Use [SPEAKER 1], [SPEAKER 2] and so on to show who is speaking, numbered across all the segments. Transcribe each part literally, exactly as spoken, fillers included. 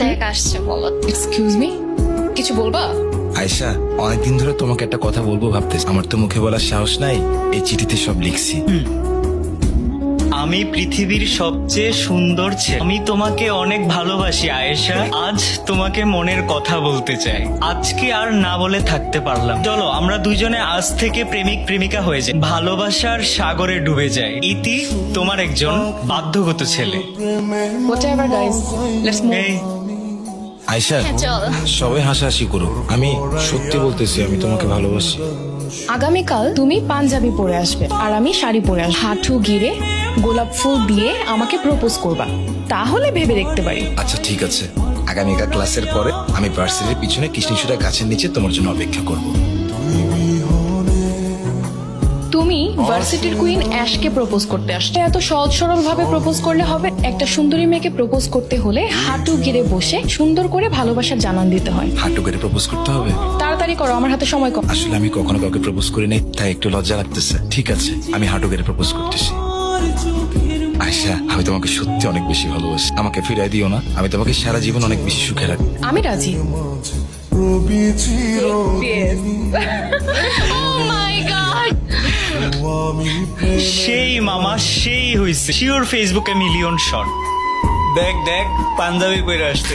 [SPEAKER 1] দেখ আসছে বলো।
[SPEAKER 2] এক্সকিউজ মি, কিছু বলবা?
[SPEAKER 3] আয়শা, অনেকদিন ধরে তোমাকে একটা কথা বলবো ভাবতেছি, আমার তো মুখে বলার সাহস নাই। এই চিঠিতে সব লিখছি।
[SPEAKER 4] আমি পৃথিবীর সবচেয়ে সুন্দর ছেলে। আমি তোমাকে অনেক ভালোবাসি আয়েশা। আজ তোমাকে মনের কথা বলতে চাই। আজকে আর না বলে থাকতে পারলাম। চলো আমরা দুইজনে আজ থেকে প্রেমিক প্রেমিকা হয়ে যাই, ভালোবাসার সাগরে ডুবে যাই। ইতি তোমার একজন বাধ্যগত ছেলে।
[SPEAKER 2] Whatever guys, let's move.
[SPEAKER 4] এই
[SPEAKER 3] আয়শা,
[SPEAKER 1] হ্যাঁ, চল।
[SPEAKER 3] সবাই হাসাহাসি করো, আমি সত্যি বলতেছি, আমি তোমাকে ভালোবাসি।
[SPEAKER 2] আগামীকাল তুমি পাঞ্জাবি পরে আসবে আর আমি শাড়ি পরে আসবো। হাঁটু গিরে গোলাপ ফুল দিয়ে আমাকে প্রপোজ করবা, তাহলে ভেবে দেখতে পারি।
[SPEAKER 3] আচ্ছা ঠিক আছে, আগামীকাল ক্লাসের পরে আমি ভার্সিটির পিছনে কৃষ্ণচূড়া গাছের নিচে তোমার জন্য অপেক্ষা করব।
[SPEAKER 2] তুমি ভার্সিটির কুইন অ্যাশকে প্রপোজ করতে আসছো। এত সহজ সরল ভাবে প্রপোজ করলে হবে? একটা সুন্দরী মেয়েকে প্রপোজ করতে হলে হাঁটু গিরে বসে সুন্দর করে ভালোবাসার জানান দিতে হয়।
[SPEAKER 3] হাঁটু করে প্রপোজ করতে হবে?
[SPEAKER 2] তাড়াতাড়ি করো, আমার হাতে সময় কম।
[SPEAKER 3] আসলে আমি কখনো কাউকে প্রপোজ করি নাই, তাই একটু লজ্জা লাগতেছে। ঠিক আছে, আমি হাঁটু করে প্রপোজ করতেছি। আয়শা, আমি তোমাকে সত্যি অনেক বেশি ভালোবাসি। আমাকে ফিরাই দিও না, আমি তোমাকে সারা জীবন অনেক বেশি সুখে রাখবো।
[SPEAKER 2] আমি রাজি।
[SPEAKER 1] Oh my God!
[SPEAKER 4] সেই মামা সেই হইছে শিওর ফেসবুকে মিলিয়ন শট। দেখ দেখ পাঞ্জাবি পরে আসছে।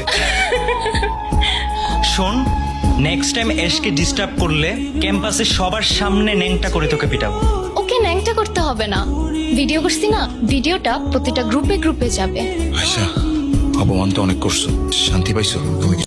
[SPEAKER 4] শোন, নেক্সট টাইম এসকে ডিস্টার্ব করলে ক্যাম্পাসে সবার সামনে ন্যাংটা করে তোকে পিটাবো।
[SPEAKER 1] ওকে ন্যাংটা করতে হবে না, ভিডিও করছি না, ভিডিওটা প্রতিটা গ্রুপে গ্রুপে যাবে।
[SPEAKER 3] আয়শা, অপমান তো অনেক করছো, শান্তি পাইছো তুমি?